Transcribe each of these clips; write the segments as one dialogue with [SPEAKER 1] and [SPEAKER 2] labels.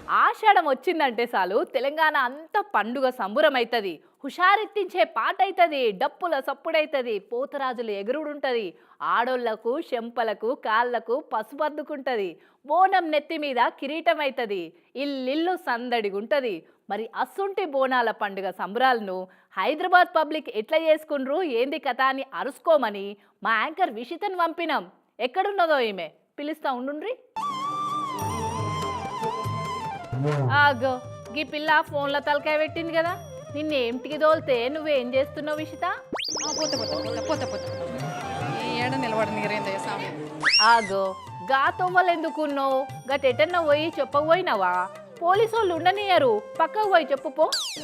[SPEAKER 1] ఆషాఢం వచ్చిందంటే చాలు తెలంగాణ అంతా పండుగ సంబురమైతది. హుషారెత్తించే పాట అవుతుంది, డప్పుల సప్పుడైతుంది, పోతరాజులు ఎగురుడుంటది, ఆడోళ్లకు శంపలకు కాళ్లకు పసుపద్దుకుంటది, బోనం నెత్తి మీద కిరీటం అవుతుంది, ఇల్లిల్లు సందడిగుంటది. మరి అస్సుంటి బోనాల పండుగ సంబరాలను హైదరాబాద్ పబ్లిక్ ఎట్లా చేసుకుండ్రు ఏంది కథ అని అరుసుకోమని మా యాంకర్ విషితను పంపినాం. ఎక్కడున్నదో ఈమె, పిలుస్తా ఉండుండ్రి. ఆగో గీ పిల్ల ఫోన్లో తలకాయ పెట్టింది కదా, నిన్నేంటికి తోలితే నువ్వేం చేస్తున్నావు విషిత? ఆగో గా తొవ్వలు ఎందుకున్నావు? గటెటన్నా పోయి చెప్పకపోయినావా? పోలీసు వాళ్ళు ఉండనియరు, పక్కకు పోయి చెప్పుపో.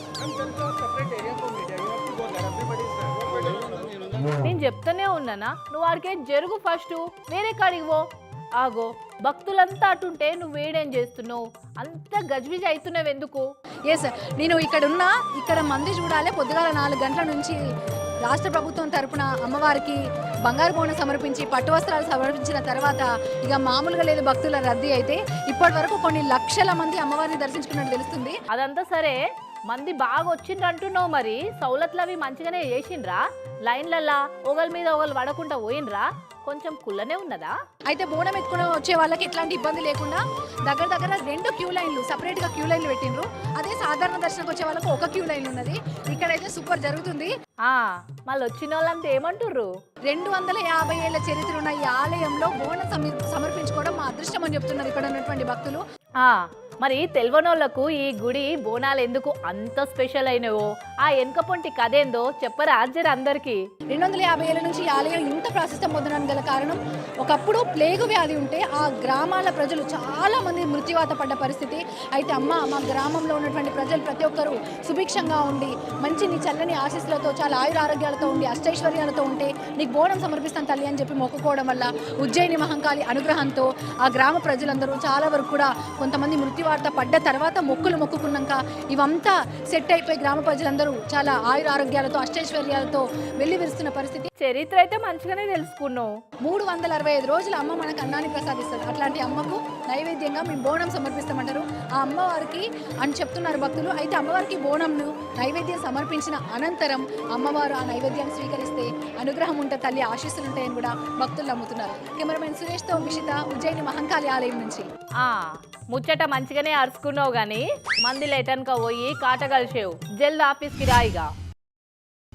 [SPEAKER 1] నేను చెప్తానే ఉన్నానా, నువ్వు ఆడికే జరుగు, ఫస్ట్ వేరే కాడికి పో. ఆగో భక్తులంతా అటుంటే నువ్వు వేడేం చేస్తున్నావు? అంత గజ్బిజ్ అవుతున్నావు ఎందుకు?
[SPEAKER 2] ఎస్, నేను ఇక్కడ మంది చూడాలి. పొద్దుగాల 4 గంటల నుంచి రాష్ట్ర ప్రభుత్వం తరపున అమ్మవారికి బంగారు బోనం సమర్పించి పట్టు వస్త్రాలు సమర్పించిన తర్వాత ఇక మామూలుగా లేదు భక్తుల రద్దీ. అయితే ఇప్పటి వరకు కొన్ని లక్షల మంది అమ్మవారిని దర్శించుకున్నట్టు తెలుస్తుంది.
[SPEAKER 1] అదంతా సరే, మంది బాగా వచ్చిండ్రు అంటున్నావు, మరి సౌలతులు అవి మంచిగానే చేసిండ్రా? లైన్లల్లా ఒకరి మీద ఒకరు పడకుండా పోయినరా? కొంచెం కుల్లనే ఉన్నదా?
[SPEAKER 2] అయితే బోనం ఎత్తుకుని వచ్చే వాళ్ళకి ఎట్లాంటి ఇబ్బంది లేకుండా దగ్గర 2 క్యూ లైన్లు, సపరేట్గా క్యూ లైన్లు పెట్టిండ్రు. అదే సాధారణ దర్శనకు వచ్చే వాళ్ళకి ఒక క్యూ లైన్ ఉన్నది. ఇక్కడైతే సూపర్ జరుగుతుంది.
[SPEAKER 1] మళ్ళీ వచ్చిన వాళ్ళంతా ఏమంటుర్రు?
[SPEAKER 2] 250 ఏళ్ల చరిత్ర ఉన్న ఈ ఆలయంలో బోనం సమర్పించుకోవడం మా అదృష్టం అని చెప్తున్నారు ఇక్కడ ఉన్నటువంటి భక్తులు.
[SPEAKER 1] మరి తెల్వనోళ్లకు ఈ గుడి బోనాలు ఎందుకు అంత స్పెషల్ అయినవో, ఆ వెనక పొంటి కథేందో చెప్పరా జర అందరికి.
[SPEAKER 2] 250 ఏళ్ల నుంచి ఈ ఆలయం ఇంత ప్రాశస్త్యం పొందడానికి గల కారణం, ఒకప్పుడు ప్లేగు వ్యాధి ఉంటే ఆ గ్రామాల ప్రజలు చాలా మంది మృత్యువాత పడ్డ పరిస్థితి. అయితే అమ్మ, మా గ్రామంలో ఉన్నటువంటి ప్రజలు ప్రతి ఒక్కరూ సుభిక్షంగా ఉండి మంచి నీ చల్లని ఆశీస్సులతో చాలా ఆయురారోగ్యాలతో ఉండి అష్టైశ్వర్యాలతో ఉంటే నీకు బోనం సమర్పిస్తాను తల్లి అని చెప్పి మొక్కుకోవడం వల్ల ఉజ్జయిని మహంకాళి అనుగ్రహంతో ఆ గ్రామ ప్రజలందరూ చాలా వరకు కూడా కొంతమంది మృత్యువార్త పడ్డ తర్వాత మొక్కుకున్నాక ఇవంతా సెట్ అయిపోయి గ్రామ ప్రజలందరూ చాలా ఆయురారోగ్యాలతో అష్టైశ్వర్యాలతో వెళ్ళి విరుస్తున్న పరిస్థితి.
[SPEAKER 1] చరిత్ర అయితే మంచిగానే తెలుసుకున్నావు.
[SPEAKER 2] 365 రోజులు అమ్మ మనకు అన్నాన్ని ప్రసాదిస్తారు. అట్లాంటి అమ్మకు నైవేద్యంగా మేము బోనం సమర్పిస్తామంటారు ఆ అమ్మవారికి అని చెప్తున్నారు భక్తులు. అయితే అమ్మవారికి బోనంను నైవేద్యం సమర్పించిన అనంతరం అమ్మవారు ఆ నైవేద్యాన్ని స్వీకరిస్తే అనుగ్రహం ఉంటే తల్లి ఆశీస్సులు ఉంటాయని కూడా భక్తులు నమ్ముతున్నారు. కెమెరామెన్ సురేష్తో విషిత, ఉజ్జయిని మహంకాళి ఆలయం నుంచి.
[SPEAKER 1] ముచ్చట మంచిగానే అరుచుకున్నావు గానీ మంది లేటన్క పోయి కాట కలిసేవు. జల్ది ఆఫీస్కి రాయిగా.